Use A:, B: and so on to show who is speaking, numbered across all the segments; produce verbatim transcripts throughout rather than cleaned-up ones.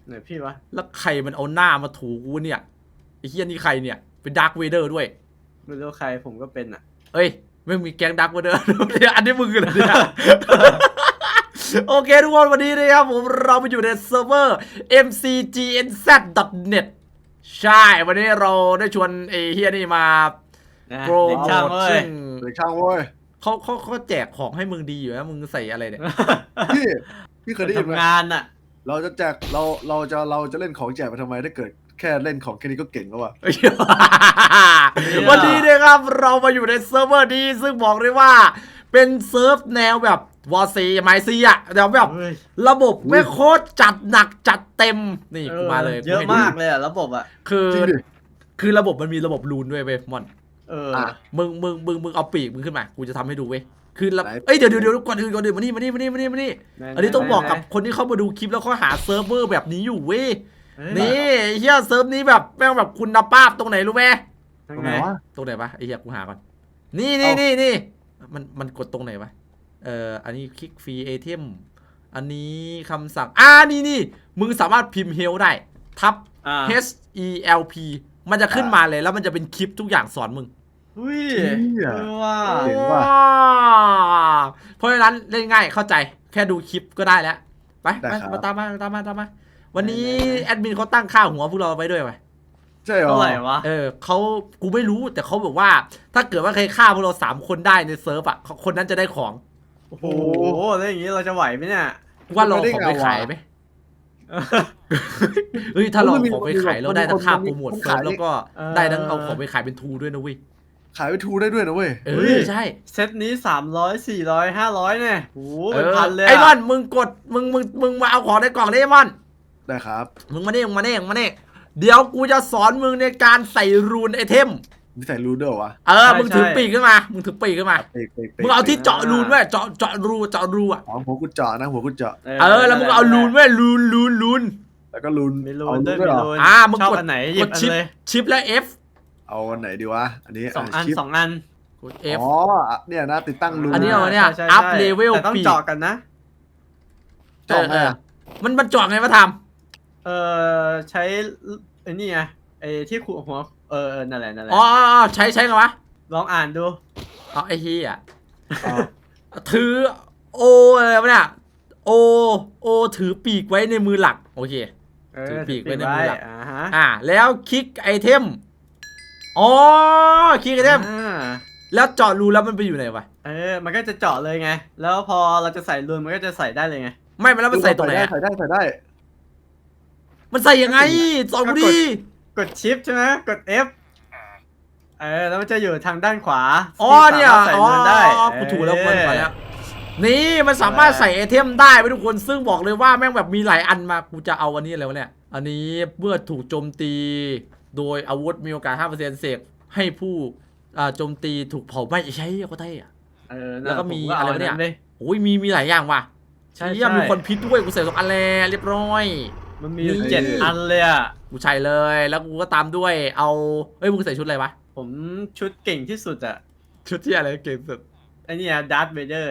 A: ไหนพี่วะ
B: แล้วใครมันเอาหน้ามาถูกูเนี่ยไอ้เฮียนี่ใครเนี่ยเป็นดาร์คเวเดอร์ด้วย
A: ไม่รู้ใครผมก็เป็นอ่ะ
B: เอ้ยไม่มีแก๊งดาร์คเวเดอร์อันนี้มึงเหรอเนี่ยโอเคทุกคนวันนี้นะครับผมเราไปอยู่ในเซิร์ฟเวอร์ เอ็ม ซี จี เอ็น แซด ดอท เน็ต ใช่วันนี้เราได้ชวนไอ้เฮียนี่มาโปร
A: เด็ก
B: โม
A: ช่าง
B: ท
A: เว้ย
B: ซึ่ง
C: เด็กช่างเว้ย
B: เขาเขาเขาแจกของให้มึงดีอยู่นะมึงใส่อะไรเนี่ย
C: พี่พี่เคยได้ยินไหม
A: ทำงานอ่ะ
C: เราจะแจกเราเราจะเราจะเล่นของแจกไปทำไมถ้าเกิดแค่เล่นของแค่นี้ก็เก่งแล้ววะ
B: วันนี้นะครับเรามาอยู่ในเซิร์ฟเวอร์นี้ซึ่งบอกเลยว่าเป็นเซิร์ฟแนวแบบวอร์ซีไมซีอะแต่แบบ
A: เฮ้ย
B: ระบบไม่โคตรจัดหนักจัดเต็มนี่กูมาเลย
A: เยอะ
B: ให้ดู
A: มากเลยอ่ะระบบอ่ะ
B: คือ
C: จริงดิ
B: คือระบบมันมีระบบรูนด้วยเว้ยมอน
A: เออ
C: อ่ะ
B: มึงมึงมึงมึงเอาปีกมึงขึ้นมากูจะทำให้ดูเว้ยคือระเอ้ยเดี๋ยวเดี๋ยวเดี๋ยวก่อนอื่นก่อนอื่นมานี่มานี่มานี่มานี่มานี่ อันนี้ต้องบอกกับคนที่เข้ามาดูคลิปแล้วเขาหาเซิร์ฟเวอร์แบบนี้อยู่เว้ย
A: เฮ้ย
B: นี่ไอ้เฮียเซิร์ฟนี้แบบแม่งแบบคุณภาพตรงไหนรู้ไหม
A: ทาง
C: ตรง
A: ไห
C: ไห
A: น
C: นวะ
B: ตรงไหนปะไอ้เฮียกูหาก่อนนี่นี่นี่นี่มันมันกดตรงไหนวะเอ่ออันนี้คลิกฟรีไอเทมอันนี้คำสั่งอ่านี่นี่มึงสามารถพิมพ์เฮลได้ทับ
A: อ่า
B: H E L P มันจะขึ้นมาเลยแล้วมันจะเป็นคลิปทุกอย่างสอนมึง
A: อุ้ย
C: เหี้ย
A: เออว่า
C: เจ๋งว่ะ
B: เพราะฉะนั้นเล่นง่ายเข้าใจแค่ดูคลิปก็ได้แล้วไป
C: ได้
B: ไป
C: ครับ
B: มาตามมาตามมาตามมาวันนี้แอดมินเขาตั้งค่าหัวพวกเราไว้ด้วยไหม
C: ใช่เหรอ
A: เท่าไหร่วะ
B: เออเขากูไม่รู้แต่เขาบอกว่า ถ้าเกิดว่าใครฆ่าพวกเราสามคนได้ในเซิร์ฟอ่ะคนนั้นจะได้ของ
A: โอ้โหแล้วอย่างงี้เราจะไหวไหมเนี่ย
B: ว่าเราเอาของไปขายไหมเฮ้ยถ้าเราเอาของไปขายเราได้ทั้งค่าโปรโมทเซิร์ฟแล้วก็ได้ทั้งเอาของไปขายเป็นทูด้วยนะเว้ย
C: ขายไปทูได้ด้วยนะเว้ย
B: เออใช่
A: เซตนี้สามร้อยสี่ร้อยห้าร้อยเนี่ยโอ้โห
B: เอ
A: เป็น
B: อ
A: พันเลย
B: ไอ้มอ
A: อะ
B: นมึงกดมึงมึงมึงมาเอาของในกล่องได้ไอ้มอน
C: ได้ครับ
B: มึงมาเนี่ยมึงมาเนี่ยมึงมาเนี่ยเดี๋ยวกูจะสอนมึงในการใส่รูนไอเทม
C: นี่ใส่รูเดอร์วะ
B: เออมึงถือปีกขึ้นมามึงถือปีกขึ้นมา
C: เป๊กเป๊กป๊ก
B: มึงเอาที่เจาะรูนไว้เจาะเจาะรูเจาะรูอ่ะ
C: อ๋อหัวกุญเจาะนะหัวกุญเจาะ
B: เออแล้วมึงก็เอารูนไว้รูนรูนรูน
C: แล้วก็รูน
A: มีรู
C: เอา
A: น
C: รู
A: ด้วย
C: นด้วย
A: มี
C: เหรอ
A: รูน
B: อ่ามึง
A: ชอบ
B: กด
A: อันไหนหยิ
B: ก
A: บ
B: ด
A: อัน
B: ชิป
A: เลย
B: ชิปและ F
C: เอาอันไหนดีวะอันนี้
A: สองอัน
C: ชิป
A: สองอัน
B: กด F
C: อ๋อเนี่ยนะติดตั้งรู
B: อันนี้เอา เนี่ย
A: ใช่
B: up
A: ใช่
B: level
A: แต่ต้อง
B: ปีก
A: เจาะกันนะ
C: เจาะไง
B: เออ
C: อะ
B: มันมันเจาะไงมาท
A: เออใช้ไอ้นี่ไงไอ้ที่ขูดหัวเออเออนั่นแหละนั่นแห
B: ำ
A: ละ
B: อ๋ออ๋ออ๋อใช้ใช้ไงวะ
A: ลองอ่านดู
B: เอาไอ้เฮีย
C: อ๋อ
B: ถือโออะไรวะเนี่ยโอโอถือปีกไว้ในมือหลักโอเค
A: เออ
B: ถือปีกไว้ในมือหลัก
A: อ่าฮะ
B: อ่าแล้วคลิกไอเทมอ๋อคลิกไอเทม
A: อ่า
B: แล้วเจาะรูแล้วมันไปอยู่ไหนวะ
A: เออมันก็จะเจาะเลยไง แล้วพอเราจะใส่รูนมันก็จะใส่ได้เลยไง
B: ไม่มันแล้วมันใส่ตรงไหน
C: ได้
B: อะ
C: ใส่ได้ใส่ได้
B: มันใส่ยังไงสองดี
A: กดชิปใช่ไหมกด F เออแล้วมันจะอยู่ทางด้านขวา
B: อ๋อเนี่ย
A: ที่สามารถใส่
B: อ๋อ
A: รูนได้
B: กูถูกแล้ว
A: เอ
B: มัน
A: อ
B: มาแล้วนี่มันสามารถใส่ไอเทมได้ไปทุกคนซึ่งบอกเลยว่าแม่งแบบมีหลายอันมากูจะเอาอันนี้อะไรวะเนี่ยอันนี้เมื่อถูกโจมตีโดยอาวุธมีโอกาส ห้าเปอร์เซ็นต์ เสกให้ผู้อ่าโจมตีถูกเผาไหม้ใช่ก็ได้อะ
A: เออน่ะ
B: แล้วก็มี
A: ผ
B: อะไรวะเนี่ย
A: าล
B: โอ้ยมีมีหลายอย่างว่ะ
A: ใช่
B: เชี่ย
A: ใช่
B: มีคนพิษด้วยกูใส่สองอันแล้วเรียบร้อย
A: มันมี
B: นี่
A: เจ็ดอันเลยอ่ะ
B: กูใช่เลยแล้วกูก็ตามด้วยเอาเอ้ยมึงใส่ชุดอะไรวะ
A: ผมชุดเก่งที่สุดอ่ะ
B: ชุดที่อะไรเก่งสุด
A: ไอ้นี่อะดาร์ธเวเดอร์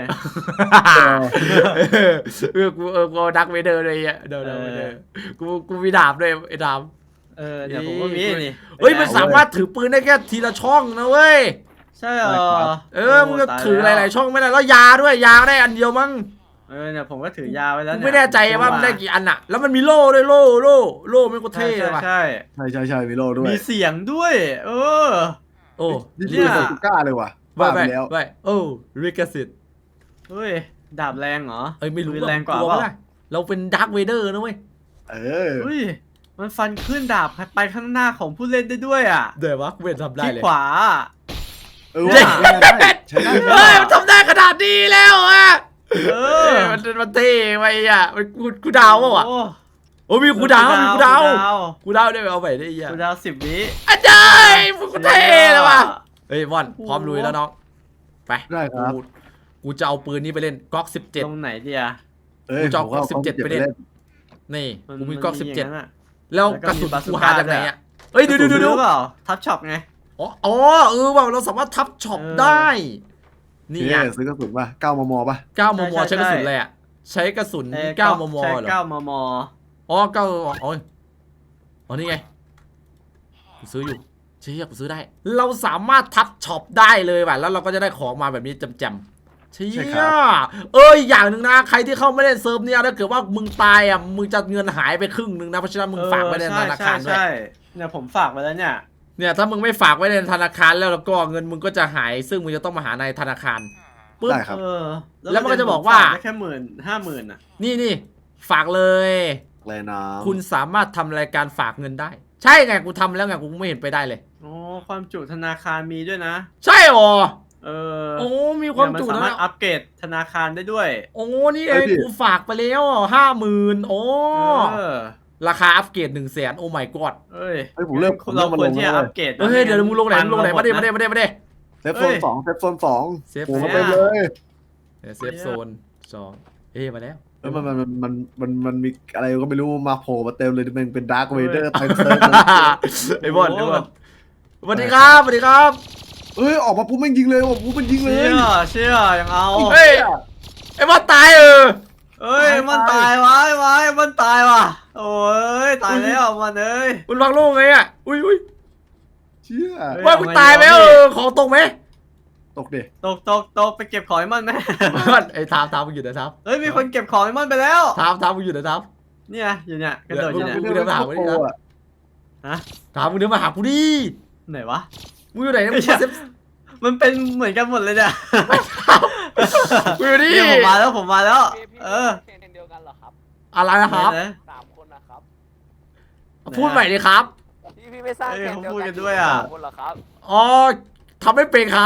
B: เออกูเออกูดักเวเดอร์เลยอ่ะเดี๋ยวเดี๋ยวเดี๋ยวกูกูมีดาบด้วยไอ้ดาบ
A: เออเดี๋ยวผมก็มีนี่
B: เฮ้ยมันสามารถถือปืนได้แค่ทีละช่องนะเว้ย
A: ใช่เหรอ
B: เออมึงก็
A: โตาย
B: ถือห
A: แว
B: ลายๆช่องไม่ได้แล้วยาด้วยยาได้อันเดียวมั้ง
A: เออเนี่ยผมก็ถือยาไว้แล้ว
B: กู
A: เนี่ย
B: ไม่แน่ใจว่ามันได้กี่อันอะแล้วมันมีโล่ด้วยโล่โล่โล่ไม่ก็
A: ใช่
B: เท่เลยว่ะ
A: ใช่
C: ใช่ใช่ใช่มีโล่ด้วย
A: มีเสียงด้วย เออ
B: โอ้
C: นี่
A: เนี่
C: คื
A: ย
C: อใส่กูกล้าเลยว่ะ
B: ไป
C: บ้า
B: ไป
C: ไปแล้ว
B: ไปโอ้ริกสิทธิ์
A: เฮ้ยดาบแรงเหรอ
B: เอ้ยไม่รู้
A: ปืนแรงกว่า
B: ลั
A: เปล่า
B: ไม่ได้เราเป็นดาร์คเวเดอร์นะเว้ย
C: เออ
A: เฮ้ยมันฟันขึ้นดาบไปข้างหน้าของผู้เล่นได้ด้วยอ่ะ
B: เดี๋ยววะกูเป็นทำได้
A: ที่
B: เลย
A: ขวา
C: เออว่าได้ได้ใช้ได้
B: เฮ้ยมันทำได้ขนาดนี้แล้วอะ
A: เอ
B: เอ
A: อ
B: อมันมันเท่ไปอ่ะมันกูกูดาวเปล่าวะ
A: โอ้
B: โอ้มีกูดาวมีกูดาว
A: กูดาว
B: กูดาวได้เอาไปได้ยัง
A: กูดาวสิบวิ
B: อาจารย์มึงกูเท่เลยว่ะเฮ้ยมอนพร้อมลุยแล้วน้องไป
C: ได้ครับ
B: กูกูจะเอาปืนนี้ไปเล่นก๊อกสิบเจ็ด
A: ตรงไหนเดีย
C: เอ้ย
B: กูจะเอา
C: ผมว่า
B: สิบเจ็ดไปเล่น นี่
A: มัน
B: กูมีก๊อกสิบเจ็ด
A: ย่างนั้นอะ
B: แล้ว
A: แล้วก็
B: กระสุน
A: มีบาซู
B: กู
A: ก้า
B: หาจากไหน
A: ด้วย
B: อ่ะเฮ้ยดูดูดูดู
A: รู้เปล่าทับช็อปไง
B: อ๋ออ๋อเออว่าเราสามารถทับช็อป
A: เออ
B: ได้
C: นี่
B: นี่
C: ไง
B: ไง
C: ซื้อกระสุนป่ะเก้ามมป่ะ
B: เก้ามม
A: ใช่
B: ใช้กระสุน
A: ใช่
B: อะไรอ่ะใช้กระสุน
A: เอ่อ
B: เก้ามม
A: ใช้
B: เหรอ
A: เก้ามม
B: อ๋อ๋อก็อ๋ออ๋อนี่ไงกูซื้ออยู่เชี่ยกูซื้อได้เราสามารถทับช็อปได้เลยว่ะแล้วเราก็จะได้ของมาแบบนี้จำๆเชี่ยเอ้ยอย่างหนึ่งนะใครที่เข้าไม่ได้เซิร์ฟเนี่ยถ้าเกิดว่ามึงตายอ่ะมึงจะเงินหายไปครึ่งหนึ่งนะเพราะฉะนั้นมึงฝากไว้ในธนาคารด้วย
A: ใช่เนี่ยผมฝากไว้แล้วเนี่ย
B: เนี่ยถ้ามึงไม่ฝากไว้ในธนาคารแล้วแล้วก็เงินมึงก็จะหายซึ่งมึงจะต้องมาหาในธนาคารปึ๊บ
C: ได้ครับ
A: เออ
B: แล้วมันก็จะบอกว่า
A: ฝได้แค่หมื่นห้าหมื่นอ่ะ
B: นี่นี่ฝากเลย
C: เลยนะ
B: คุณสามารถทำรายการฝากเงินได้ ใช่ไงกูทำแล้วไงกูไม่เห็นไปได้เลย
A: โอ้ความจุธนาคารมีด้วยนะ
B: ใช่หรอ
A: เออ
B: โอ้มีความจุ
A: เนี่ยนสา
B: นะ
A: มารถอัปเกรดธนาคารได้ด้วย
B: โอ้นี่ไงกูฝากไปแล้วห้าหมื่นโอ้
A: เออ
B: ราคาอัปเกรดหนึ่งแสนโอ้ my god
A: เอ้ย
C: เฮ้ยผมเริ่มผม
A: เรา
C: เริ่มมา
A: คว
C: ล
A: รง ที่
C: แล้
A: จะ
C: ว
A: อัปเกรดนะ
B: เฮ้ยเดี๋ยวมึงลงไหนมึงลงไหนมาดิมาดิมาดิมาดิ
C: เซฟโซนสองเซฟโซนสอง
B: เซฟ
C: โอ้
B: โซ
C: มาน เต็มเลย
B: เซฟโซนสองเอ้มาแล้ว
C: เอ้ยมันมันมันมันมันมีอะไรก็ไม่รู้มาโผล่มาเต็มเลยมันเป็นดาร์คเวเดอร์เต็มเลย
B: ไอ้บอลไอ้บอลสวัสดีครับสวัสดีครับ
C: เอ้ยออกมาปุ๊บมันยิงเลยออกมาปุ๊บมันยิงเลย
A: เชี่ยเชี่ยยังเอา
B: เฮ้ยไอ้บอลตายเออ
A: เอ้ยมันตายวะไอ้วะมันตายว่ะโอ้ยตายแล้วมันเอ้ย
B: มันวางโล่งไงอ่ะอุ้ยอุ้ย
C: เชี่ย
A: เฮ้ย
B: ว่ามึงตายไหมเออของตกไหม
C: ตกดิ
A: ตกตกตกไปเก็บของไอ้มันไหม
B: ไอ้ทามทามมึงอยู่ไหนทาม
A: เฮ้ยมีคนเก็บของไอ้มันไปแล้ว
B: ทามทามมึงอยู่ไหนทาม
A: เนี่ยอยู่เนี่ยกระโดดอยู่เนี่ย
B: มึงเดินมาหากูดิครับ
C: อะ
A: ฮะ
B: ทามมึงเดินมาหากูดิ
A: ไหนวะ
B: มึงอยู่ไหนนะมึง
A: ไอ้เหี้ย
B: เซฟ
A: มันเป็นเหมือนกันหมดเลยเนี่ย
B: มึงอยู่นี่
A: เนี่ยผมมาแล้วผมมาแล้ว
D: พี่พี่
A: เออ
D: เคนเดียวกันเหรอครับ
B: อะไรนะครับ
A: ไหน
D: สามคนนะครับ
B: พูดใหม่ดิครับ
D: พี่พี่ไม่สร้าง
A: เอ้ย
D: เคน
A: เขา
D: เดียว
A: พูด
D: กั
A: กัน นด้วยอ่ะ
D: สามคนเหรอครับ
B: อ๋อทำไม่เป็นครับ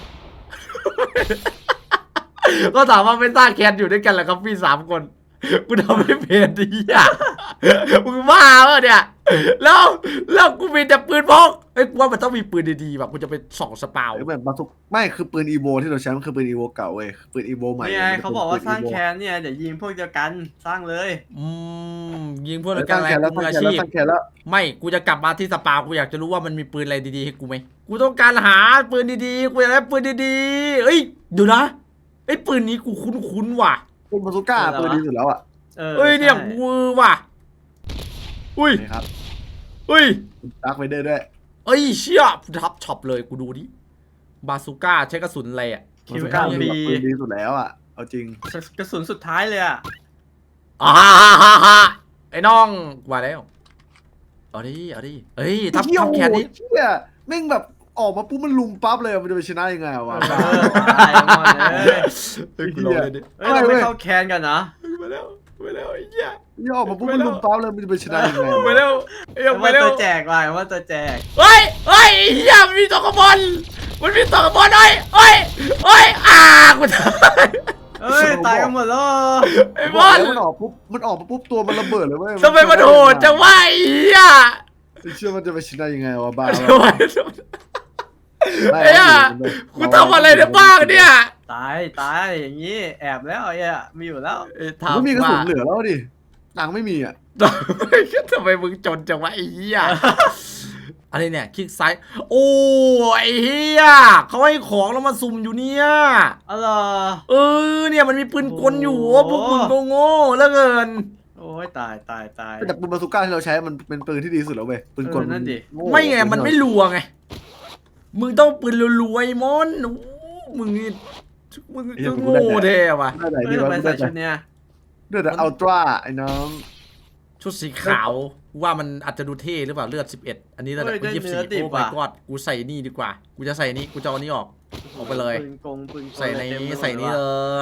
B: ก็ถามว่าเป็นต้าแคทอยู่ด้วยกันแหละครับพี่สามคนกูทำไม่เป็นดิอ่ะมึงบ้าเปล่าเนี่ยแล้วแล้วกูมีแต่ปืนพกเอ้ยกูว่ามันต้องมีปืนดีๆแบบกูจะไปส่องสปาว
C: เอ้ยแบบมาทุกไม่คือปืนอีโวที่เราใช้มันคือปืนอีโวเก่าเว้ยปืนอีโวใหม่
A: นี่ไง
C: มัน
A: เขา
C: ป็น
A: บอกว่า
C: ปื
A: สร้าง
C: Evo
A: แคนเนี่ยเดี๋ยวยิงพวกเดียวกันสร้างเลย
B: อืมยิงเพื่อน
C: แล้ว
B: กั
C: ส
B: น
C: ร้าง
B: อะไร
C: แคนแล้ว
B: กู
C: สร้าง
B: มือ
C: แค
B: อาน ชีพ
C: แล้วสร้างแคนแล้ว
B: ไม่กูจะกลับมาที่สปาวกูอยากจะรู้ว่ามันมีปืนอะไรดีๆให้กูไหมกูต้องการหาปืนดีๆกูอยากได้ปืนดีๆเอ้ยเดี๋ยวนะไอ้ยปืนนี้กูคุ้นๆว่ะ
C: ปืนบาซูก้าปืนดีสุดแล้วอ่ะ
A: เออ
B: เอ้ยเนี่ย
A: ใช่
B: มือว่ะอุ้ย
C: นี่ครับ
B: อุ้ย
C: ดาร์คเวเดอร์ด้วย
B: เอ้ยเชี่ยทับช็อปเลยกูดูดิบาซูก้าใช้กระสุนอะไรอ่ะ
C: บาซูก้าเป็นแบบปืนดีสุดแล้วอ่ะเอาจริง
A: กระสุนสุดท้ายเลยอ่ะ
B: อ่าฮ่าฮ่าฮ่าไอ้น้องกูมาแล้วเอาดิเอาดิเอ้ยทับ
C: เหี้ย
B: ทับแขนนี้
C: โอ้โหเชี่ยแม่งแบบออกมาปุ๊บมันลุมปั๊บเลยมันจะไปชนะยังไงวะ
A: เออตายหมดเลย
B: เฮ้ยกูลองเลยดิ
A: เฮ้ยเราไม่เข้าแคนกันนะ
B: มาแล้วมาแล้วไอ้เหี้ย
C: นี่ออกมาปุ๊บมันลุมปั๊บเลยมันจะไปชนะยังไง
B: มาแล้วเอ้ย
A: แต่
B: มา
A: ว่า
B: แล้ว
A: ตัวแจกว่ะว่าตัวแจก
B: เฮ้ยเฮ้ยไอ้เหี้ยมันมีตัวกระบอลมันมีตัวกระบอลเฮ้ยเฮ้ยเฮ้ยอ่ากูตาย
A: เอ้ยตายกันหมดแล้ว
B: ไอ้
C: บบ อ
B: อ
C: ล
B: ล
C: มันออกปุ๊บมันออกมาปุ๊บตัวมันระเบิดเลยเว้ย
B: ทำไมมันโหดจังวะไอ้เหี้ย
C: เชื่อมันจะไปชนะยังไงวะบ้า
B: ทำไมไอ้เหี้ยกูทำอะไรได้บ้างเนี่ย
A: ตายตายอย่างนี้แอบแล้วไอ้เนี่ยมีอยู่แล้ว
B: เอ้ย
C: ไม่
B: ถาม
C: มีกระ
B: ว่า
C: สุนเหลือแล้วดิตังค์ไม่มีอ่ะ
B: ทำไมมึงจนจังวะไอ้เหี้ยอะไรเนี่ยคลิกซ้ายโอ้ไอ้เหี้ยเขาให้ของแล้วมาสุ่มอยู่เนี่ย
A: อะไร
B: เออเนี่ยมันมีปืนกลอยู่โอ้พวกมึงก็โง่เหลือเกิน
A: โอ้ยตายตายตาย
C: แต่ปืนบาซูก้าที่เราใช้มันเป็นปืนที่ดีสุดแล้วเว้ยปืนกล
A: เออนั่นดิ
C: โง่
B: ไม่ไงมันไม่รัวไงมึงต้องปืนรัวๆไอ้มอนโอ้มึงนี่มึงจะโง่แท้ว่ะ
C: ได้ไหน
A: เฮ้
C: ดี
A: ยทำ
C: วะ
A: ไม
C: ได้
A: ใส่
C: แต่
A: ชุดเนี้ย
C: ได้แต่อัลตร้าไอ้น้อง
B: ชุดสีขาวว่ามันอาจจะดูเท่หรือเปล่าเลือดสิบเอ็ดอันนี้ระดับกูยี่สิบสี่โอ้ my god กูใส่นี่ดีกว่ากูจะใส่นี่กูจะเอานี้ออก ออกไปเลย
A: ปืนกงปืนกล
B: ใส่ใน
A: เต็มไปหมด
B: ใส่นี่เลย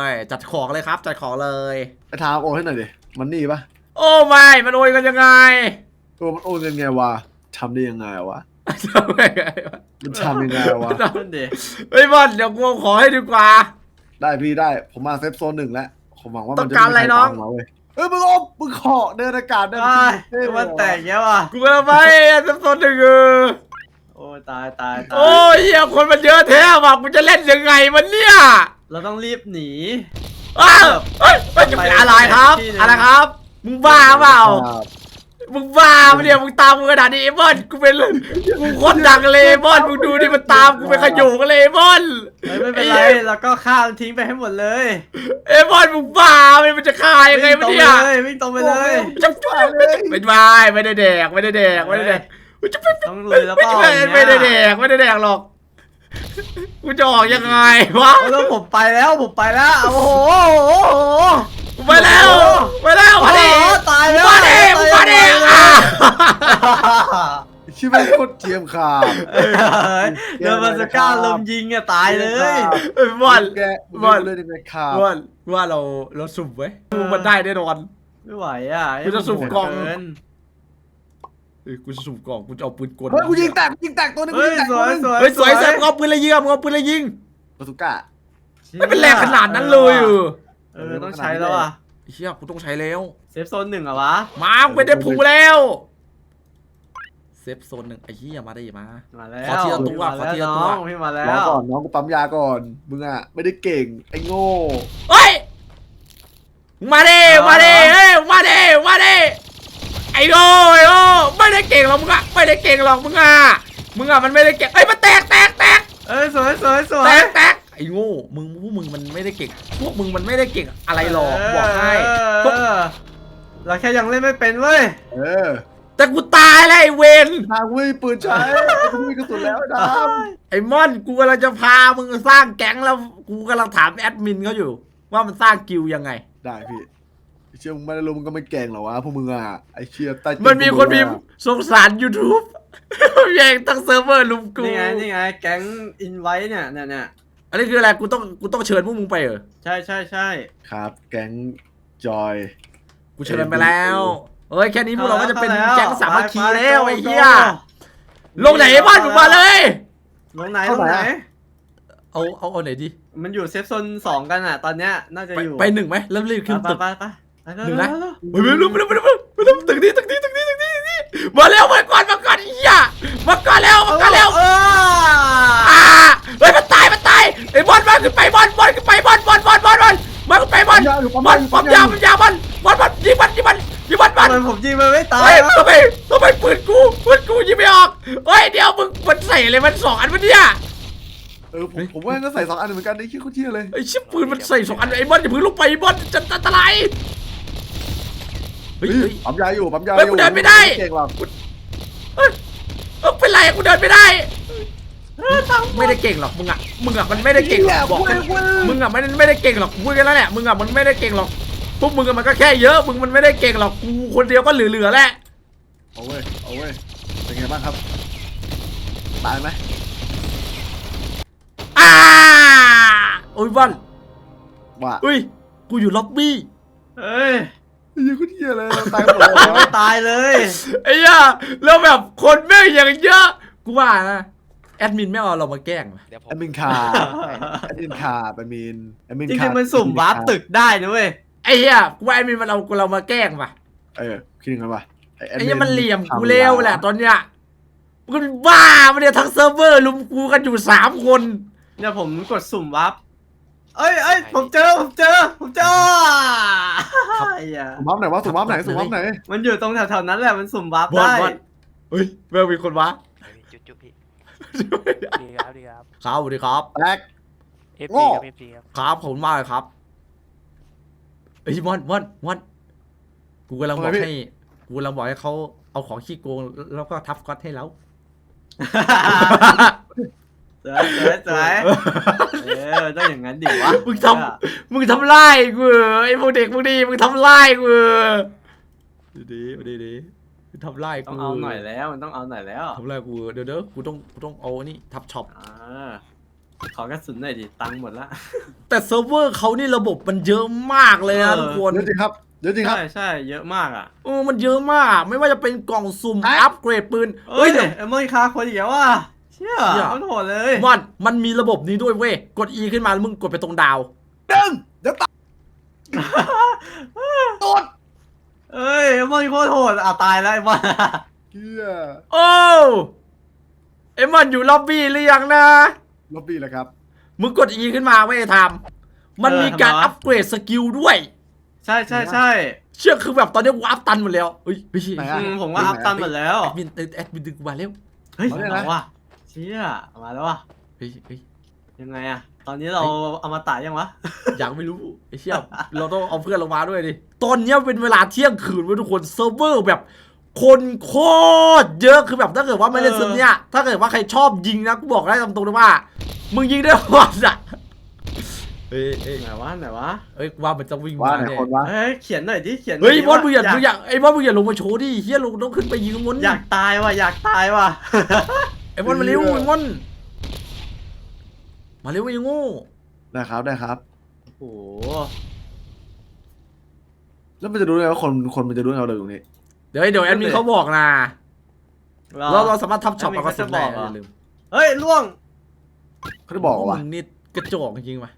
B: จัดของเลยครับ จัดของเลย
C: ไอ้ทามโอนให้หน่อยดิมันนี่ปะ
B: โอ้ไม่มันโอยกันยังไง
C: โอ้มันโอนยังไงวะทำได้ยังไงวะ
B: ทำไงวะ
C: มันทำยังไงวะ
A: นั่นดิ
B: เฮ้ยบอลเดี๋ยวกูเอาขอให้ดีกว่า
C: ได้พี่ได้ผมมาเซฟโซนหนึ่งแล้วผมหวังว่ามัน
B: ต้อง
C: จะ
B: การอะไรน้อง
C: ม่มีใคตามมาเว้ยเอ้ยมึงอมมึงขอเดินอากาศได้
A: ไอ้ยมันแตกเยอะว่ะ
B: กูกำลังไปสักตอนหนึ่งเออ
A: โอ้ยตายตายตาย
B: โอ้ยเหี้ยคนมันเยอะแท้ว่ะกูจะเล่นยังไงมันเนี่ย
A: เราต้องรีบหนี
B: อ้าวเฮ้ยเฮ้ยจะเป็นอะไรครับ อะไรครับ มึงบ้าเปล่า
C: ครับ
B: มึงบ้าปะเนี่ยมึงตามกูขนาดนี้ไอ้บอลกูเป็นกูโคตรดังเลยไอ้บอลมึงดูดิมันตามกูเป็นขโยงเลยไอ้บอล
A: เฮ้ยไม่เป็นไรแล้วก็ข้ามทิ้งไปให้หมดเลย
B: ไอ้บอลมึงบ้าปะเนี่ยมันจะฆ่ายังไง
A: วิ่ง
B: วะ
A: ตรง
B: เนี่ย
A: ไปเลยวิ่งตรงไปเลย
B: จับจุ๊บไม่ได้ไม่ได้แดกไม่ได้แดกไม่ได้แดกกูจะไม่
A: ต้องลุยแล้วเปล่า
B: ไม่ไม่ได้แดกไม่ได้แดกหรอกกูจะออกยังไงวะ
A: เอาแล้วผมไปแล้วผมไปแล้วโอ้โหโอ้โห
B: ไปแล้วไปแล้วมาดิ
A: โอ้โหตายแล้ว
B: มาดิมาดิอ่ะ
C: ชิบะโคตรเทียมขาด
A: เฮ้ยเดินมาสก้าลมยิงอะตายเลย
B: ไอ้บอล
C: แก
B: บอล
C: เลยในขาด
B: ว่าว่าเราเราสุ่มไว้กูมันได้แน่นอน
A: ไม่ไหวอ่ะ
B: กูจะสุ่มกล่อง
A: เกิน
B: เอ้ยกูจะสุ่มกล่องกูจะเอาปืนกล
C: เฮ้ยกูยิงแตกกูยิงแตกตัวนึงกู
A: เฮ้ย
C: ยิงแตก
A: ส
C: ตัว
A: วย
C: นึง
A: สวย
B: เฮ้ยสวยเสร็จมึงเอาปืนอะไรยิงมึงเอาปืนอะไรยิง
C: บาซูก้า
B: ไม่เป็นแรงขนาดนั้นเลยเออ
A: เออต้องใช้แล้วอ่ะ
B: เฮียกูต้องใช้แล้ว
A: เซฟโซนหนึ่งเหรอวะ
B: มากูไม่ได้ผูแล้วเซฟโซนหนึ่งไอ้เหี้ยมาได้มา
A: มาแล้ว
B: ขอทีละตัวขอทีละตัว
A: น้องพี่มาแล้
C: รอ
A: ว
C: ก่อนน้องกูปั๊มยาก่อนมึงอ่ะไม่ได้เก่งไอ้โง่
B: เฮ้ยมาดิมาดิเฮ้ยมาดิมาดิไอ้โง่ไอ้โง่ไม่ได้เก่งหรอกมึงอะไม่ได้เก่งหรอกมึงอะมึงอะมันไม่ได้เก่งเอ้ยมันแตกแตกแตก
A: เอ้ยสวยสวยสว
B: แต
A: ย
B: กแตกไอ้โง่มึงพวกมึงมันไม่ได้เก่งพวกมึงมันไม่ได้เก่งอะไรหรอกบอกให้
A: เอ
B: พวก
A: อเราแค่ยังเล่นไม่เป็นเว้ย
C: เออ
B: แต่กูตายแล้วไอ้เวน
C: ทางวิ่งปืนใช้กูมีกระสุนแล้วไอ้ด
B: ไอ้ม่อนกูกำลังจะพามึงสร้างแก๊งแล้วกูกำลังถามแอดมินเขาอยู่ ว่ามันสร้างกิลด์ยังไง
C: ำได้พี่ไอ้เชี่ยมึงไม่ได้รู้มึงก็ไม่เก่งหรอวะพวกมึงอ่ะไอ้เชี่ยใต้
B: มันมีคนพิมพ์สงสาร YouTube แย่งตั้งเซิร์ฟเวอร์ลุมกู
A: นี่ไงนี่ไงแก๊งอินไว้เนี่ยเนี่ยเนี่ย
B: อันนี้คืออะไรกูต้องกูต้องเชิญพวกมึงไปเหรอ
A: ใช่ใช่ใช่
C: ครับแก๊งจอย
B: กูเชิญไปแล้วเอ้ยแค่นี้พวกเราก็จะเป็น
A: ข้า
B: แก๊งสามัคคี
A: ไปไป
B: แล้วไอ้
A: โจ
B: เหี้ย
A: โจ
B: ลงไหนไอ้บ้านมึงมาเลย
A: ลงไหนลงไหน
B: เอาเอาเอาไหนดี
A: มันอยู่เซฟโซนสองกันอ่ะ ตอนเนี้ยน่าจะ
B: ไป
A: อยู่
B: ไปหนึ่งไหมเริ่มรีบขึ้น
A: ไป
B: ตึก
A: ไปไปไป
B: หนึ่งนะ ไปไปรู้ไปรู้ไปรู้ไปรู้ตึกนี้ตึกนี้ตึกนี้ตึกนี้ตึกนี้มาแล้วมาก่อนมาก่อนไอ้เหี้ยมาก่อนแล้วมาก่อนแล้ว
A: เออ
B: อ่าเฮ้ยมันตายมันตายไอ้บอลบอลขึ้นไปบอลบอลขึ้นไปบอลบอลบอลบอลบอลบอลขึ้นไปบอลบอลปั๊มยาปั๊มยาบอลบอลบอลยิงบอลยิงบอลยิงบอลบอล
A: ทำไมผมยิงมันไม่ตาย
B: เฮ้ยว
A: ะ
B: ทำไมทำไมปืนกูปืนกูยิงไม่ออกเฮ้ยเดี๋ยวมึงมันใส่อะไรมันสองอันวะเนี่ย
C: เออผมผมว่าก็ใส่สองอันเหมือนกันไอ้เชี่ยโคตรเชี่ยเลย
B: ไอ้ชิบปืนมันใส่สองอันไอ้บอลอย่าเพิ่งลงไปไอ้บอลจะอันตรายเฮ้ย
C: เฮ้ย
B: เฮ้ย
C: ปั๊มยาอยู่ปั๊มยาอ
B: เฮ้ย
C: ยู่
B: กูเดินไม่ได้
C: เก่งหรอก
B: เอ้ยเอ้ยเป็นไรอะกูเดินไม่ได้ไม่ได้เก่งหรอกมึงอะมึงอะมันไม่ได้เก่งหรอกบอกกันมึงอะไม่ได้ไม่ได้เก่งหรอกพูดกันแล้วแหละมึงอะมันไม่ได้เก่งหรอกพวกมึงอะมันก็แค่เยอะมึงมันไม่ได้เก่งหรอกกูคนเดียวก็เหลือๆแหละ
C: เอาเว้ยเอาเว้ยเป็นไงบ้างครับตายไหม
B: อ่าโอ้ยบอล
C: ว่า
B: อุ้ยกูอยู่ล็อบบี้
A: เฮ้ย
C: ไอ้เหี้ยโคตรเชี่ยเลยตายหมดเลย
A: ยังไม่ตายเลย
B: ไอ้เหี้ยแล้วแบบคนแม่งอย่างเยอะกูว่านะแอดมินไม่เอาเรามาแกล้งว่ะ
D: เดี๋ยวผม
C: แอดมินคาแอดมินคาแอดมินแอดมิน
A: จ
C: คา
A: ริงๆมันสุ่มวาร์ปตึกได้นะเว้ย
B: ไอ้เหี้ยกูว่าแอดมินมันเอาเรามาแกล้งว่ะ
C: เออคิดยังไงวะ
B: ไอ้เหี้ยมันเหลี่ยมกูเร็วแหละตอนเนี้ยมึงบ้ามันเนี่ยทั้งเซิร์ฟเวอร์ลุมกูกันอยู่สามคน
A: เนี่ยผมกดสุ่มวาร์ปเอ้ยเอ้ยผมเจอผมเจอผมเจอไอ้เหี้ย
C: สุ่มวับไหนวะสุ่มวับไหนสุ่มวับไหน
A: มันอยู่ตรงแถวๆนั้นแหละมันสุ่มวาร์ป
B: บอล
A: ได้
B: บอลเฮ้ยแม่งมีคนวะ
D: จุ๊บจุ๊บพี่ดีครับดีครับ
B: ครับสวัสดีครับ
C: แรก
D: เอฟ
C: โง่
D: ซีครับเอฟซีครับ
B: ครับขอบคุณมากเลยครับเฮ้ยมอนมอนมอนกูกำลังบอกให้กูกำลังบอกให้เขาเอาของขี้โกงแล้วก็ทับก๊อตให้เรา
A: สวยสวยสวยเออต้องอย่างนั้นดิวะ
B: มึงทำมึงทำร้ายกูเหรอไอ้พวกเด็กพวกนี้มึงทำร้ายกูเหรอดีดีดีดีมึงทำร้ายกู
A: ต้องเอาหน่อยแล้วมันต้องเอาหน่อยแล้ว
B: ทำร้ายกูเดี๋ยวเดี๋ยวกูต้องกูต้องเอาอันนี่ทับช็อป
A: อ่าขอกระสุนหน่อยดิตังค์หมดละ
B: แต่เซิร์ฟเวอร์เขานี่ระบบมันเยอะมากเลยนะ
A: เออ
B: ทุกคน
C: เดี๋ยวจริงครับเดี๋ยวจริงครับ
A: ใช่ใช่เยอะมากอ่ะ
B: เออมันเยอะมาก ไม่ว่าจะเป็นกล่องสุ่ม
C: ไอ้
B: อัปเกรดปืน
A: เอ้
B: เฮ้
A: ย
B: ยเดี๋ยว
A: เอ็มเมอร์คาคนอีกแล้วว่ะเชี่ย
B: เชี่ย
A: เขาโหดเลย
B: มอนมันมีระบบนี้ด้วยเว้ยกด E ขึ้นมาแล้วมึงกดไปตรงดาว
C: ดึงเดี๋ยวตายโดน
A: เอ้ยเอ็มเมอร์โคตรโหดอ่ะตายแล้วไอ้บอล
C: เฮีย
B: โอ้เอ็มมอนอยู่ล็อบบี้หรือยังนะ
C: ล็อบบี้แล้วครับ
B: มึงกด E ขึ้นมาไว้ยทำมันมีการอัปเกรดสกิลด้วย
A: ใช่ใช่ใช่
B: เชื่อคือแบบตอนนี้วาร์ปตันหมดแล้วเฮ้ยเฮ้ย
C: ไหน
A: อื
C: อะ
A: มผมว่าอัพตันหมดแล้ว
B: แอดมินแอดมินดึงกูมาเร็ว
A: เฮ้ย
C: เอาเลยนะ
A: เอาว่ะเชี่ยมาแล้วว่ะ
B: เฮ้ยเฮ้ย
A: ยังไงอะตอนนี้เราเอามาตายยังวะ
B: อยากไม่รู้ไอ้เชี่ยเราต้องเอาเพื่อนลงมาด้วยดิตอนเนี้ยเป็นเวลาเที่ยงคืนเว้ยทุกคนเซิร์ฟเวอร์แบบคนโคตรเยอะคือแบบถ้าเกิดว่าไม่เล่นเซิร์ฟเนี้ยถ้าเกิดว่าใครชอบยิงนะกูบอกได้ตามตรงเลยว่ามึงยิงได้หมดอ่ะเฮ้ยเฮ้ย
A: ไหนวะไหนวะ
B: เฮ้ยว่ามันจะวิ่ง
C: ว่า
B: มา
C: ไหน
B: เนี่ย
C: คนวะ
A: เฮ้ยเขียนหน่อยดิเขียนหน่
B: เฮ้ย
A: ดิ
B: บอสมึงอย่า
A: ว่
B: มึงอย่าไอ้บอสมึงอย่าลงมาโชว์ดิเฮียลงต้องขึ้นไปยิงข้างบน
A: อยากตายว่ะอยากตายว่ะ
B: ไอ้บอสมาเร็วไอ้บอสมาเร็วไอ้โง่
C: ได้ครับได้ครับ
A: โอ้โห
C: แล้วมันจะรู้ไงว่าคนคนมันจะรู้ไงว่าเราอยู่ตรงนี้
B: เดี๋ยวเดี๋ยวแอดมินเขาบอกนะ
A: เรา
B: เราเราสามารถทับช็อป
A: แอดมิ
B: เอา
A: น
B: กระสุนได้
A: เขาจะบอกเหรอ
B: อย่าลืม
A: เฮ้ยล่วง
C: เขาจะบอกว่า
B: มึงนี่กระจอกจริงๆว่ะ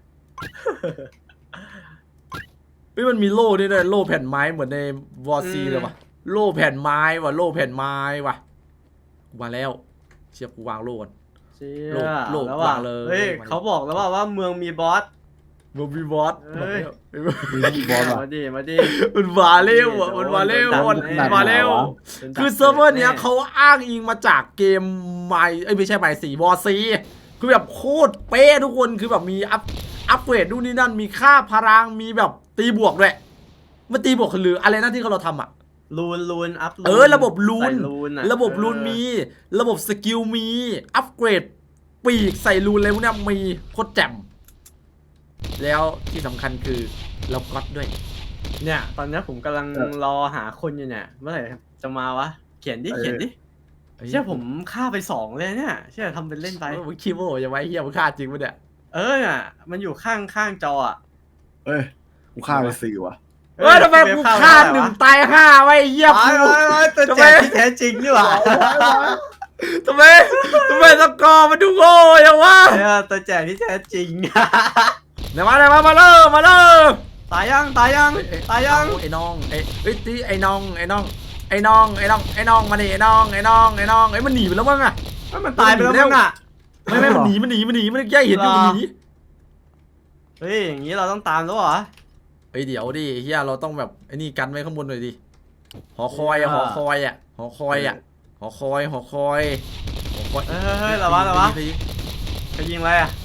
B: เฮ้ยมันมีโล่ด้วยนะโล่แผ่นไม้เหมือนในวอร์ซีเลยว่ะโล่แผ่นไม้ว่ะโล่แผ่นไม้ว่ะกูมาแล้วเชียบกูวางโล่ก่อน
A: เชี่
B: โล
A: ย
B: กโลก
A: แล้วว่ะ
B: วางเลย
A: เฮ้ยว
B: างเลย
A: เขาบอกแล้วว่าว่าเมืองมีบอส
B: มึงมีบอส
A: เฮ้ย
C: มีบอลว่ะ
A: มาดิมาดิ
B: มันมาเร็วอ่ะมันมาเร็ว
A: โด
B: มัน
A: นดัน
B: มาเร็ว
A: โดนดัน
B: คือเซิร์ฟเวอร์เนี้ยเขาอ้างอิงมาจากเกมไมเอ้ยไม่ใช่ไมสี่วอร์ซีคือแบบโคตรเป๊ะทุกคนคือแบบมีอัพอัพเกรดนู่นนี่นั่นมีค่าพลังมีแบบตีบวกด้วยมันตีบวกหรืออะไรนั่นที่เราทำอ่ะ
A: ลูนลูนอัพลูน
B: เออระบบลูน
A: ใส่ลูนอะ
B: ระบบลูน
A: เออ
B: มี ระบบสกิลมี อัปเกรด ปีกใส่ลูนอะไรพวกเนี้ยมีโคตรแจ่มแล้วที่สำคัญคือเราก๊อตด้วย
A: เนี่ยตอนเนี้ยผมกำลังรอหาคนอยู่เนี่ยเมื่อไหร่จะมาวะเขียนดิเขียนดิเชื่อผมฆ่าไปสองเลยเนี่ยเชื่อทำเป็นเล่นไป
B: เออมึงคิดว่าจะไว้เฮียมึงฆ่าจริงปะเนี่ย
A: เออน่ะมันอยู่ข้างข้างจออ่ะ
C: เอ้ยกูฆ่าไปสี่ว่ะ
B: เอ้ยทำไมกูฆ่าหนึ่งตายห้าไว้เฮีย
A: ไป
B: กู
A: ไปไปตัว
B: ทำไม
A: แจกที่แท้จริงนี่หว่า
B: ทำไมทำไมสกอร์มันดูโง่ยังวะ
A: เออตัวแจกที่แท้จริง
B: เดี๋ยวมาเดี๋ยวมามาเริ่มมาเริ่ม
A: ตายยังตายยังตายยัง
B: ไอ้น้องไอ้เอ้ยตีไอ้น้องไอ้น้องไอ้น้องไอ้น้องไอ้น้องมาดิไอ้น้องไอ้น้องไอ้น้องไอ้มันหนีไปแล้วมั้งอะ
A: มันตายไปแล้วมั้งอ่ะ
B: ไม่ไม่มันหนีมันหนีมันหนีมันแย่เห็นอยู่
A: หรอ
B: มันหนี
A: เฮ้ยอย่างงี้เราต้องตามแล้วเหรอ
B: เฮ้ยเดี๋ยวดิเฮียเราต้องแบบไอ้นี่กันไว้ข้างบนหน่อยดิหอคอยอะหอคอยอะหอคอยอะหอคอยหอคอยหอคอย
A: เฮ้ยเฮ้ยระวังระวัง
B: ไปยิง
A: ไปยิงอะไรอ่ะ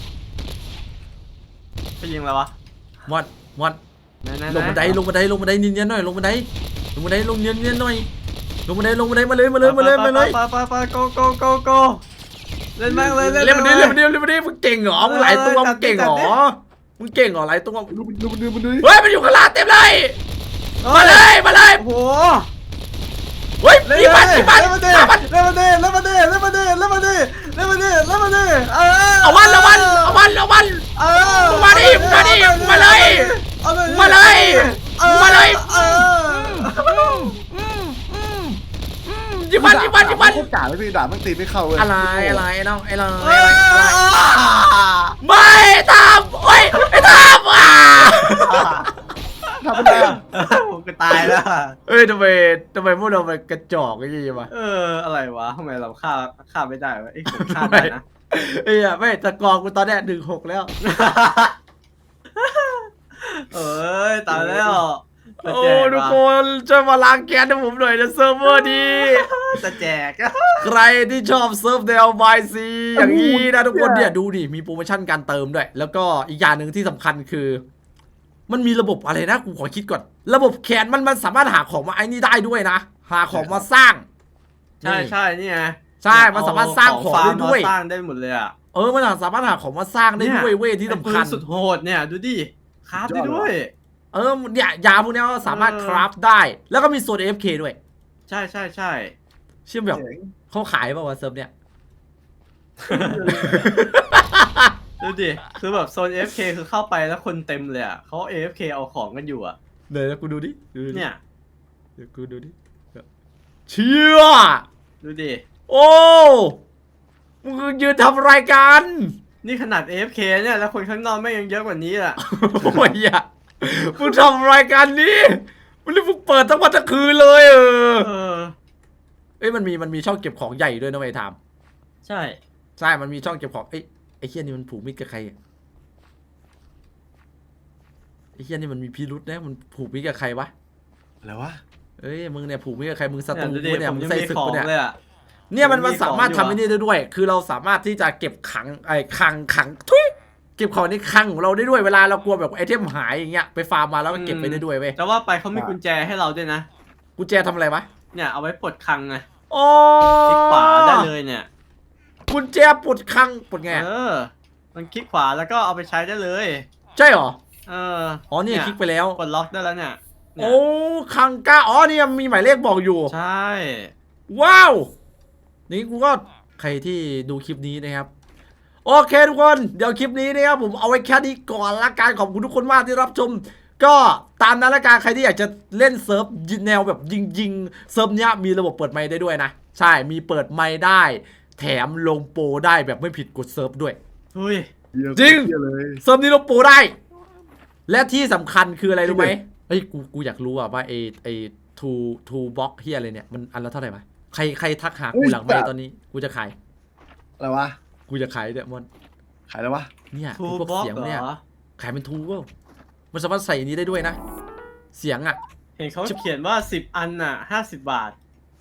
A: ไปยิงอะไรวะ
B: มอดมอด
A: ไหนไหน
B: ลงบันไดลงบันไดลงบันไดเนียนๆหน่อยลงบันไดลงบันไดลงเนียนๆหน่อยลงบันไดลงบันไดมาเลยมาเลยมาเลยมาเลย
A: ไปไปไปโกโกโกโกเล่นแม่งเลยเล่น
B: เล่นบันได
A: แม่
B: เล่น
A: ง
B: บันไดเล่นบันไดมึงเก่งเหรอมึงหลายตัวมึงเก่งเหรอมึงเก่งเหรอหลายตัว
C: ดูมันดูมันดูมันดู
B: เฮ้ยมันอยู่ข้างล่างเต็มเลยมาเลยมาเลย
A: โอ้โห
B: เฮ้ย
A: เล่น
B: ยิงมัน
A: เล่
B: ยิงมัน
A: นมาดิ
B: ฆ่ามัน
A: เล่นมาดิเล่นมาดิเล่นมาดิเล่นมาดิเล่นมาดิเล่นมาดิเออ
B: เอามันเอามันเอามันเอามัน
A: เออ
B: มึงมาดิมึงมาดิมึงมาเลย
A: เอาเลย
B: มาเลยมาเลย
A: เออ
B: ยิงมันยิงมันยิงมัน
C: โคตรกาเลยพี่ด่ามันตีไม่เข้าเลย
B: อะไรอะไรไอ้น้องไอ้น้อง
A: เอ
B: อะไร
A: อ
B: อะไรไม่ทำโอ้ยไอ้ทำอ่ะ
C: ทำไม่ได้
A: ผมก็ตายแล้ว
B: เอ้ยทำไมทำไมพวกเราเป็นกระจอกอย่างงี้วะ
A: เอออะไรวะทำไมเราฆ่าฆ่าไม่ได้วะไอ้ยผมฆ่าได้นะ
B: เอ้ยไม่ตะกองกูตอนเนี้ยหนึ่งหกแล้ว
A: เอ้ยตายแล้ว
B: โอ้ทุกคนช่วยมาล้างแค้นให้ผมหน่อยนะเซิร์ฟเวอร์ดี
A: จะแจก
B: ใครที่ชอบเซิร์ฟแนวบายซีอย่างนี้นะทุกคนเนี่ยดูดิมีโปรโมชั่นการเติมด้วย แล้วก็อีกอย่างหนึ่งที่สำคัญคือ มันมีระบบอะไรนะกูขอคิดก่อน ระบบแคนมันมันสามารถหาของมาไอ้นี่ได้ด้วยนะหาของมาสร้าง
A: ใช่ใช่นี่ไง
B: ใช่มันสามารถสร้างของได้ด้วย
A: สร้างได้หมดเลยอ่ะ
B: เออมันสามารถหาของมาสร้างได้ด้วยเว้ยที่สำคัญ
A: ไอ้ปืนสุดโหดเนี่ยดูดิคราฟได้ด้วย
B: เออเนี่ยยาพวกเนี้ยก็สามารถคราฟได้ แล้วก็มีโซน เอฟ เค ด้วย
A: ใช่ใช่ใช่
B: เชื่อมแบบเขาขายป่าววะเซิร์ฟเนี่ย
A: ดูดิคือแบบโซน เอฟ เค คือเข้าไปแล้วคนเต็มเลยอ่ะเขา เอ เอฟ เค เอาของกันอยู่อ่ะ
B: เดี๋ยวกูดูดิดูดิ
A: เนี่ย
B: เดี๋ยวกูดูดิเชี่ย
A: ดูดิ
B: โอ้มึงยืนทำรายการ
A: นี่ขนาด เอ เอฟ เค เนี่ยแล้วคนข้างนอกไม่งยังเยอะกว่านี้อ่ะ
B: โอ้ยอ่ะมึงทำรายการนี้มึงเรียกมึงเปิดทั้งวันทั้งคืนเลยเออ
A: เออ
B: เอ้ยมันมีมันมีช่องเก็บของใหญ่ด้วยนะไอ้ทาม
A: ใช่
B: ใช่มันมีช่องเก็บของเอ้ยไอ้เฮียนี่มันผูกมิตรกับใครอะไอ้เหี้ยนี่มันมีพิรุษนะมันผูกมิตรกับใครวะ
C: อะไรวะ
B: เอ้ยมึงเนี่ยผูกมิตรกับใครมึงศัตรู
A: เนี่ยดูดิ
B: กูเนี่ย
A: ผม
B: มึง
A: ยัง
B: ใส่
A: มี
B: ศึก
A: ของ
B: กูเนี่ย
A: เลยอ่ะ
B: เนี่ยมัน
A: ผมมี
B: มันสามารถ
A: ของอยู่
B: ทำไอ้
A: อะ
B: นี่ได้ด้วย คือเราสามารถที่จะเก็บขังไอ้ขังขังทุยเก็บของในคลังของเราได้ด้วยเวลาเรากลัวแบบไอเทมหายอย่างเงี้ยไปฟาร์มมาแล้วก็เก็บไปได้ด้วยเว้ย
A: แต่ว่าไปเขามีกุญแจให้เราด้วยนะ
B: กุญแจทำอะไรวะ
A: เนี่ยเอาไว้ปลดคลังไง
B: โอ้
A: คลิกขวาได้เลยเนี่ย
B: กุญแจปลดคลังปลดไง
A: เออ มันคลิกขวาแล้วก็เอาไปใช้ได้เลย
B: ใช่เหรอ
A: เออ
B: อ๋อนี่คลิกไปแล้ว
A: ปลดล็อกได้แล้วเนี่ยเนี่ย
B: โอ้คลังก้าอ๋อนี่มีหมายเลขบอกอยู่
A: ใช่
B: ว้าว นี่กูก็ใครที่ดูคลิปนี้นะครับ โอเคทุกคน เดี๋ยวคลิปนี้นะครับผมเอาไว้แค่นี้ก่อนละกันขอบคุณทุกคนมากที่รับชม ก็ตามนั้นละกันใครที่อยากจะเล่นเซิร์ฟแนวแบบยิงๆเซิร์ฟเนี้ยมีระบบเปิดไมค์ได้ด้วยนะ ใช่มีเปิดไมค์ได้ แถมลงโปรได้แบบไม่ผิดกฎเซิร์ฟด้วย
A: เฮ้ย
C: เหี้ย
B: จริง
C: เหี้ยเลย
B: เซิร์ฟนี้ลงโปรได้ และที่สำคัญคืออะไรรู้ไหมเฮ้ยกูกูอยากรู้อะว่าไอไอทูทูบ็อกเฮียอะไรเนี่ยมันอันละเท่าไหร่วะใครใครทักหากูหลังไมค์ตอนนี้กูจะขาย
C: อะไรวะ
B: กูจะขายเนี่ยมอน
C: ขายแล้ววะ
B: เนี่ย
A: ทู
B: ไอ้พวก
A: บ็อก
B: เสียง
A: เหร
B: เนี่ย
A: อ
B: ขายเป็นทูก็มันสามารถใส่อันนี้ได้ด้วยนะ เสียงอ่ะ
A: เห็นเขาเขียนว่าสิบอันน่ะห้าสิบบาท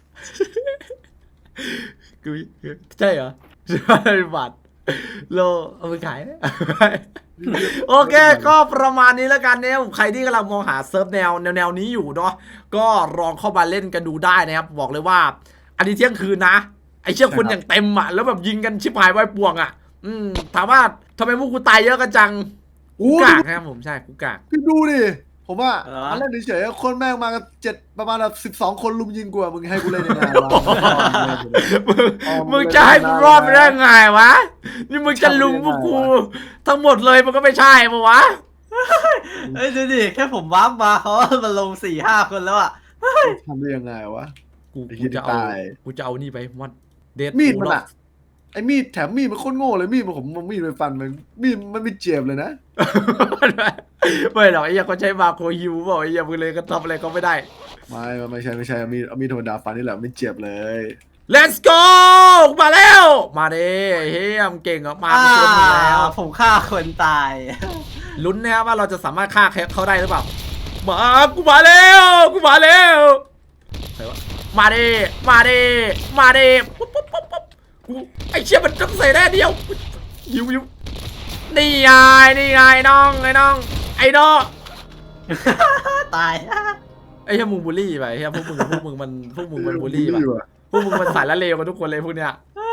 B: กูใช่เหรอใช่บัตรโลเอาไปขาย โอเค ก็ประมาณนี้แล้วกันเนี่ยใครที่กำลังมองหาเซิร์ฟแนวแนวแนวนี้อยู่เนาะก็ลองเข้ามาเล่นกันดูได้นะครับ บอกเลยว่า อันนี้เที่ยงคืนนะ ไอเชี่ยคนอย่างเต็มอ่ะแล้วแบบยิงกันชิบหายไว้ป่วงอ่ะ อืมถามว่าทำไมพวกกูตายเยอะกันจังกู
C: อู้
B: กากนะครับผมใช่กูกาก
C: พี่ดูดิ ผมว่า
A: เหรอ
C: อันแรกเฉยๆคนแม่งมากันเจ็ดประมาณแบบสิบสองคนลุมยิงกูอะมึงให้กูเล่นยังไงวะ
B: มึงมึงจะให้กูรอดไปได้ไงวะ นี่มึงจะลุมพวกกู ทั้งหมดเลยมันก็ไม่ใช่ปะวะ
A: เอ้ยดูดิแค่ผมวาร์ปมาเขามาลงสี่ห้าคนแล้วอ่ะ
C: ทำได้ยังไงวะ
B: กู
C: ไอ้
B: กู
C: เหี้ย
B: จะเอา
C: ตาย
B: กูจะเอานี่ไปมันเดด
C: มีดมันอะไอ้มีดแถมมีดมันโคตรโง่เลยมีดมันผมเอามีดไปฟันมันมีดมันไม่เจ็บเลยนะ
B: ไม่หรอกไอ้เหี้ยเขาใช้มาโครฮิวบอกไอ้เหี้ยมึงเลยก็ทำอะไรก็ไม่ได้
C: ไม่ไม่ไม่ใช่ไม่ใช่เอามีดเอามีดธรรมดาฟันนี่แหละไม่เจ็บเลย
B: Let's go มาแล้ว มาเด้เฮียมงเก่งอ่ะมาเป็นคนหนึ่งแล้ว
A: ผมฆ่าคนตาย
B: ลุ้นนะครับว่าเราจะสามารถฆ่าเขาได้หรือเปล่า มากูมาแล้วกูมาแล้วใครวะมาเด้มาเด้มาเด้ปุ๊บปุ๊บปุ๊บปุ๊บกูไอเชี่ยมันต้องใส่แน่เดียวยิวยิวนี่ไงนี่ไงน้องไอ้น้องไอ้น้อง
A: ตาย
B: ไอ้เหี้ยมึงบูลลี่ไปไอ้เหี้ยพวกมึงพวกมึงมันพวกมึงมันบูลลี่ไป
C: ว่ะ
B: พวกมึงมันสายละเลวกันทุกคนเลยพวกเนี้ย
A: เฮ้